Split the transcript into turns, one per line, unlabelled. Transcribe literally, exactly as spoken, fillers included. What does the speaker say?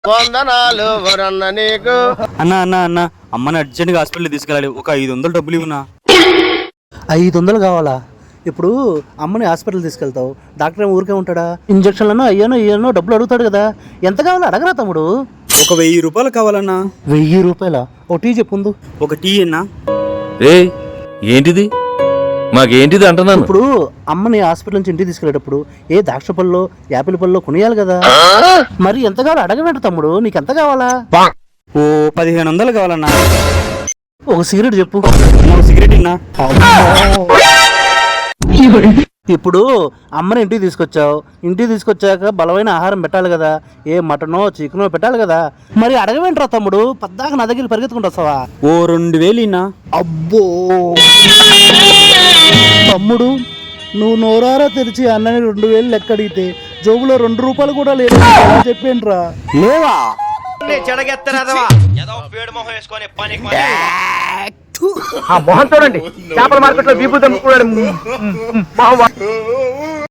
వందనాలు వరన్న నీకు.
అన్న అన్న అన్న అమ్మని అర్జెంట్గా హాస్పిటల్ తీసుకెళ్ళాలి, ఒక ఐదు వందలు డబ్బులు ఇవ్వనా.
ఐదు వందలు కావాలా? ఇప్పుడు అమ్మని హాస్పిటల్ తీసుకెళ్తావు, డాక్టర్ ఏమో ఊరికే ఉంటాడా? ఇంజక్షన్లను అయ్యానో అయ్యానో డబ్బులు అడుగుతాడు కదా. ఎంత కావాలో అడగరా తమ్ముడు.
ఒక వెయ్యి రూపాయలు కావాలన్నా.
వెయ్యి రూపాయల? ఓ టీ చెప్పుందు.
ఒక టీ అన్నా.
రే ఏంటిది, మాకేంటిది అంటున్నాను.
ఇప్పుడు అమ్మని హాస్పిటల్ నుంచి ఇంటికి తీసుకెళ్ళేటప్పుడు ఏ ద్రాక్ష పళ్ళలో యాపిల్ పళ్ళలో కొనియాలి కదా. మరి ఎంత కావాలో అడగవేంట తమ్ముడు, నీకు ఎంత కావాలా?
ఓ పదిహేను వందలు కావాలన్నా.
ఒక సిగరెట్ చెప్పు.
ఒక సిగరెట్ ఇన్నా.
ఇప్పుడు అమ్మని ఇంటికి తీసుకొచ్చావు, ఇంటికి తీసుకొచ్చాక బలమైన ఆహారం పెట్టాలి కదా. ఏ మటనో చికెనో పెట్టాలి కదా. మరి అడగవేంట్రా తమ్ముడు, పద్దాక నా దగ్గర పరిగెత్తుకుంటూ వస్తావా?
ఓ రెండు వేలు ఇన్నా.
అబ్బో తమ్ముడు, నువ్వు నోరారా తెరిచి అన్నని రెండు వేలు లెక్క అడిగితే జోబులో రెండు రూపాయలు కూడా లేదు చెప్పేంట్రా.
లేవా?
ఆ మొహం చూడండి, చేపల మార్కెట్ లో బీపు దమ్ముకున్నాడు.